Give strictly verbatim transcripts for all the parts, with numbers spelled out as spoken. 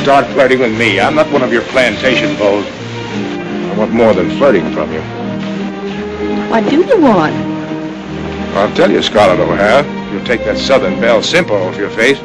start flirting with me. I'm not one of your plantation beaus. I want more than flirting from you. What do you want? I'll tell you, Scarlett O'Hara. You'll take that Southern Belle simple off your face.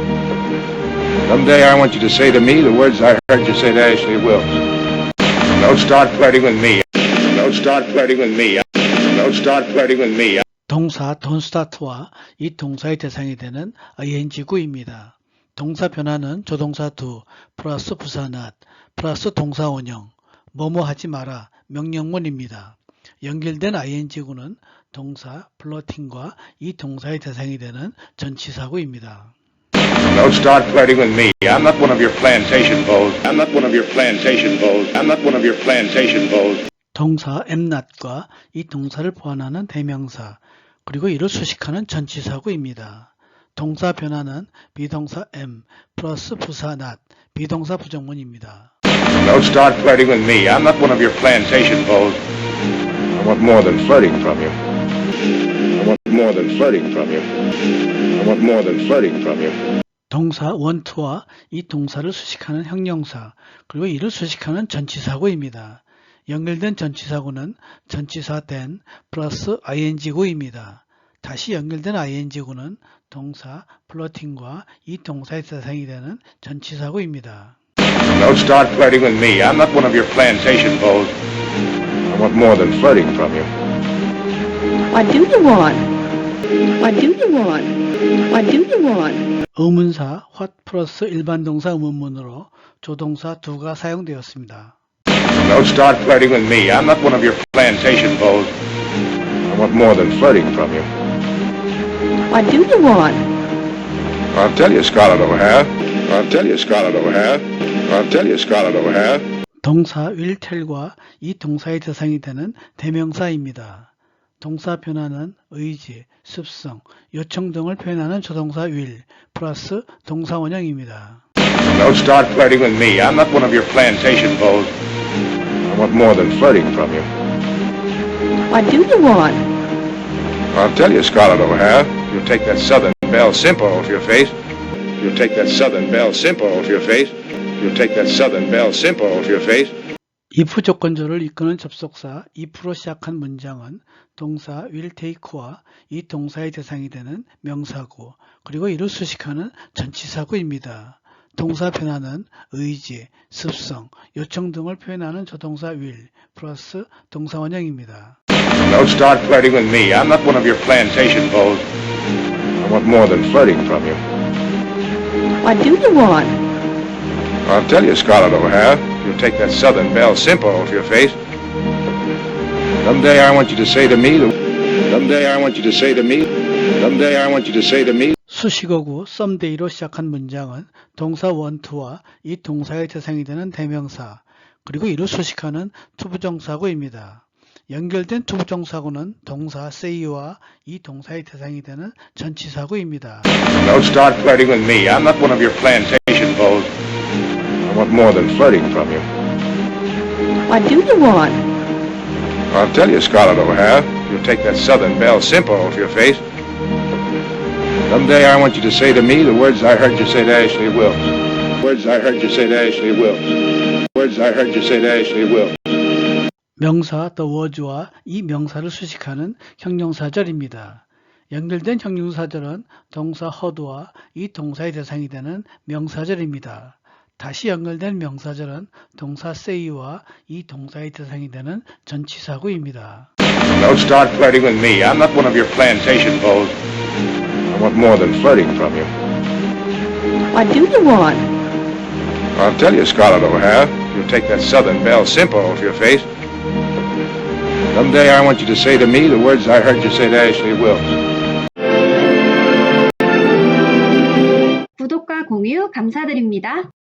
Someday I want you to say to me the words I heard you say to Ashley Wilkes. Don't start flirting with me. Don't start flirting with me. Don't start flirting with me. 동사 don't start와 이 동사의 대상이 되는 ing구입니다. 동사 변화는 조동사 do 플러스 부사 not 플러스 동사 원형 뭐뭐 하지 마라 명령문입니다. 연결된 ing구는 동사 플러팅과 이 동사의 대상이 되는 전치사구입니다. Don't start flirting with me. I'm not one of your plantation beaus. I'm not one of your plantation beaus. I'm not one of your plantation beaus. 동사 am not과 이 동사를 보완하는 대명사 그리고 이를 수식하는 전치사구입니다. 동사 변화는 비동사 am 플러스 부사 not 비동사 부정문입니다. Don't start flirting with me. I'm not one of your plantation beaus. I want more than flirting from you. I want more than flirting from you. I want more than flirting from you. 동사 want와 이 동사를 수식하는 형용사 그리고 이를 수식하는 전치사구입니다. 연결된 전치사구는 전치사 then 플러스 ing구입니다. 다시 연결된 ing구는 동사 플러팅과 이 동사의 대상이 되는 전치사구입니다. Don't start flirting with me. I'm not one of your plantation beaus. I want more than flirting from you. What do you want? What do you want? What do you want? 의문사 what 플러스 일반 동사 의문문으로 조동사 do가 사용되었습니다. Don't start flirting with me. I'm not one of your plantation beaus. I want more than flirting from you. What do you want? I'll tell you, Scarlett O'Hara. I'll tell you, Scarlett O'Hara. I'll tell you, Scarlett O'Hara. 동사 will tell과 이 동사의 대상이 되는 대명사입니다. 동사 변화는 의지, 습성, 요청 등을 표현하는 조동사 will 플러스 동사 원형입니다. Don't start flirting with me. I'm not one of your plantation beaus. I want more than flirting from you. What do you want? I'll tell you, Scarlett O'Hara. You'll take that Southern Belle simple off your face. You'll take that Southern Belle simple off your face. You'll take that Southern Belle simple off your face. if 조건절을 이끄는 접속사 if로 시작한 문장은 동사 will take와 이 동사의 대상이 되는 명사구 그리고 이를 수식하는 전치사구입니다. 동사 변화는 의지, 습성, 요청 등을 표현하는 조동사 will 플러스 동사 원형입니다. Don't start flirting with me. I'm not one of your plantation beaus. I want more than flirting from you. What do you want? I'll tell you, Scarlett O'Hara. You'll take that Southern Belle simple off your face. Someday I want you to say to me the... Someday I want you to say to me... Someday I want you to say to me... 수식어구 썸데이로 시작한 문장은 동사 want와 이 동사의 대상이 되는 대명사 그리고 이를 수식하는 투부정사구입니다. 연결된 투부정사구는 동사 say와 이 동사의 대상이 되는 전치사구입니다. Don't start flirting with me. I'm not one of your plantation beaus. I want more than flirting from you. What do you want? I'll tell you, Scarlett O'Hara. You'll take that Southern Belle simple off your face. Someday I want you to say to me the words I heard you say to Ashley Wilkes. Words I heard you say to Ashley Wilkes. Words I heard you say to Ashley Wilkes. 명사 the words와 이 명사를 수식하는 형용사절입니다. 연결된 형용사절은 동사 heard와 이 동사의 대상이 되는 명사절입니다. 다시 연결된 명사절은 동사 say와 이 동사의 대상이 되는 전치사구입니다. Don't start flirting with me. I'm not one of your plantation beaus. I want more than flirting from you. What do you want? I'll tell you, Scarlett O'Hara. You'll take that Southern Belle simple off your face. Someday I want you to say to me the words I heard you say to Ashley Wilkes. 구독과 공유 감사드립니다.